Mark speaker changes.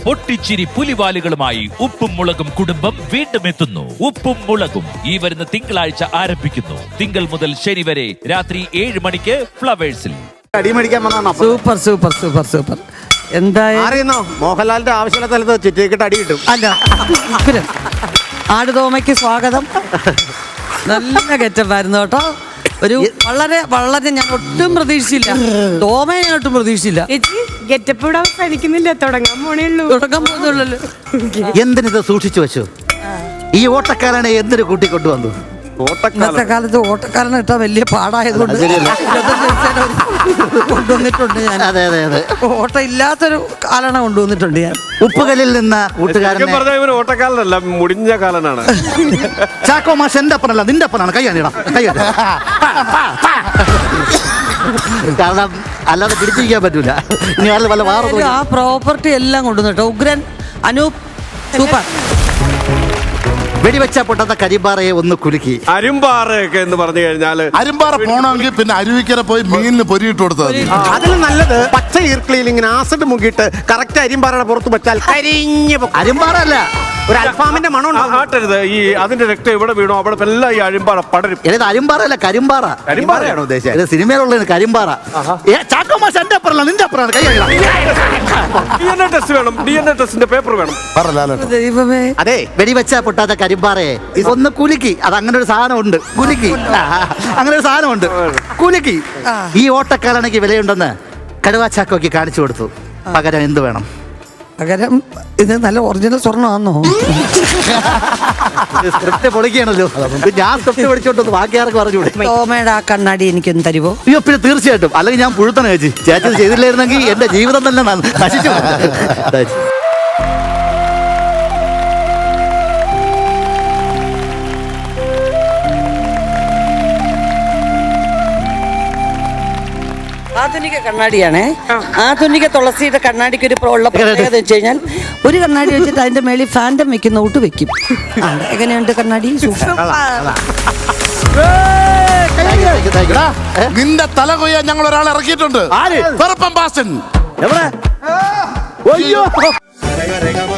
Speaker 1: പൊട്ടിച്ചിരി പുലിവാലുകളുമായി ഉപ്പും മുളകും കുടുംബം വീണ്ടും എത്തുന്നു. ഉപ്പും മുളകും ഈ വരുന്ന തിങ്കളാഴ്ച ആരംഭിക്കുന്നു. തിങ്കൾ മുതൽ ശനി വരെ രാത്രി 7 മണിക്ക് ഫ്ലവേഴ്സിൽ.
Speaker 2: Super super super super.
Speaker 3: എന്തായാലും മോഹൻലാലിന്റെ ആവശ്യമുള്ള സ്ഥലത്ത് ചുറ്റിക്കിട്ട് അടി കിട്ടും.
Speaker 2: അല്ല, ആടുതോമയ്ക്ക് സ്വാഗതം. നല്ല ഗെറ്റപ്പായിരുന്നു കേട്ടോ. ഒരു വളരെ വളരെ ഞാൻ ഒട്ടും പ്രതീക്ഷിച്ചില്ല. തോമയെ ഞാൻ ഒട്ടും പ്രതീക്ഷിച്ചില്ല.
Speaker 4: ഗെറ്റപ്പ് ഇവിടെ അവസാനിക്കുന്നില്ല, തുടങ്ങാൻ
Speaker 2: പോകുന്നുള്ളൂ.
Speaker 5: എന്തിനിത് സൂക്ഷിച്ചു വെച്ചു? ഈ ഓട്ടക്കാരനെ എന്തിനു കൂട്ടിക്കൊണ്ടുവന്നു?
Speaker 2: ഇന്നത്തെ കാലത്ത് ഓട്ടക്കാരനെ ഇട്ടാ വലിയ പാടായതുകൊണ്ട് കൊണ്ടുവന്നിട്ടുണ്ട് ഞാൻ.
Speaker 5: അതെ അതെ അതെ,
Speaker 2: ഓട്ടം ഇല്ലാത്തൊരു കാലണ കൊണ്ടുവന്നിട്ടുണ്ട് ഞാൻ.
Speaker 5: ഉപ്പുകല്ലിൽ നിന്ന് കൂട്ടുകാരൻ
Speaker 3: ഓട്ടക്കാരനല്ല, മുടിഞ്ഞ കാലനാണ്.
Speaker 5: ചാക്കോ മാഷ് എന്റെ അപ്പനല്ല, നിന്റെ അപ്പനാണ്. കൈയാണിടാം, കൈയാണി. കാരണം അല്ലാതെ പിടിച്ചിരിക്കാൻ പറ്റൂല. ഇനി വല്ല വാറ
Speaker 2: ആ പ്രോപ്പർട്ടി എല്ലാം കൊണ്ടുവന്നിട്ടോ. ഉഗ്രൻ, അനൂപ്, സൂപ്പർ.
Speaker 5: വെടിവെച്ച പൊട്ടാത്ത കരിമ്പാറയെ ഒന്ന് കുലുക്കി.
Speaker 3: അരുമ്പാറയൊക്കെ എന്ന് പറഞ്ഞു കഴിഞ്ഞാല്
Speaker 6: അരുമ്പാറ പോണമെങ്കിൽ പിന്നെ അരുവിക്കര പോയി മീനിന് പൊരിയിട്ട് കൊടുത്താൽ
Speaker 3: അതിൽ നല്ലത് പച്ച ഈർക്കിളിയിൽ ഇങ്ങനെ ആസിഡ് മുക്കിയിട്ട് കറക്റ്റ് അരിമ്പാറയുടെ പുറത്ത് വെച്ചാൽ കരിഞ്ഞ്
Speaker 5: അരുമ്പാറ അല്ല,
Speaker 3: ഒരു അൽഫാമിന്റെ മണം ആട്ടരുത്. ഈ അതിന്റെ രക്തം എവിടെ വീണോ അവിടെ എല്ലാം ഈ അരിമ്പാറ പടരും.
Speaker 5: ഇത് അരുമ്പാറ അല്ല, കരിമ്പാറ.
Speaker 3: കരിമ്പാറയാണോ ഉദ്ദേശിച്ചത്?
Speaker 5: ഇത് സിനിമയിലുള്ള കരിമ്പാറ. ചാക്കോ മാഷ് എന്റെ അപ്പനല്ല, നിന്റെ അപ്പനാണ്. കൈയാണിടാം.
Speaker 3: DNA ടെസ്റ്റ് വേണം, DNA ടെസ്റ്റിന്റെ പേപ്പർ വേണം.
Speaker 2: ദൈവമേ.
Speaker 5: അതെ, വെടിവെച്ച പൊട്ടാത്ത കരിമ്പാറയെ ഇതൊന്ന് കുലുക്കി. അത് അങ്ങനെ ഒരു സാധനം ഉണ്ട്, കുലുക്കി. അങ്ങനെ ഒരു സാധനം ഉണ്ട്, കുലുക്കി. ഈ ഓട്ടക്കാലണയ്ക്ക് വിലയുണ്ടെന്ന് കടുവാ ചാക്കോയ്ക്ക് കാണിച്ചു കൊടുത്തു. പകരം എന്ത് വേണം?
Speaker 2: പകരം ഇത് നല്ല ഒറിജിനൽ സ്വർണ്ണമാണോ?
Speaker 5: സ്ക്രിപ്റ്റ് പൊളിക്കുകയാണല്ലോ. ഞാൻ സ്ക്രിപ്റ്റ് പഠിച്ചോണ്ട് ബാക്കി ആർക്ക് പറഞ്ഞുകൂടെ?
Speaker 2: തോമയുടെ ആ കണ്ണാടി എനിക്കൊന്ന് തരുവോ?
Speaker 5: അയ്യോ, പിന്നെ തീർച്ചയായിട്ടും. അല്ലെങ്കിൽ ഞാൻ പുഴുത്തണ ചേച്ചി. ചേച്ചി ചെയ്തില്ലായിരുന്നെങ്കിൽ എന്റെ ജീവിതം തന്നെ നശിച്ചു.
Speaker 2: ആധുനിക കണ്ണാടിയാണേ. ആധുനിക തുളസിയുടെ കണ്ണാടിക്ക് ഒരു ഉള്ള പ്രത്യേകത വെച്ച് കഴിഞ്ഞാൽ ഒരു കണ്ണാടി വെച്ചിട്ട് അതിന്റെ മേളിൽ ഫാൻറ്റം വെക്കുന്ന ഊട്ട് വെക്കും. എങ്ങനെയുണ്ട് കണ്ണാടി?
Speaker 6: നിന്റെ തല കൊയ്യാൻ ഞങ്ങൾ ഒരാളെ ഇറക്കിയിട്ടുണ്ട്.
Speaker 5: ആര്?
Speaker 6: വെറുപ്പം ബാസൻ.
Speaker 5: എവിടെ?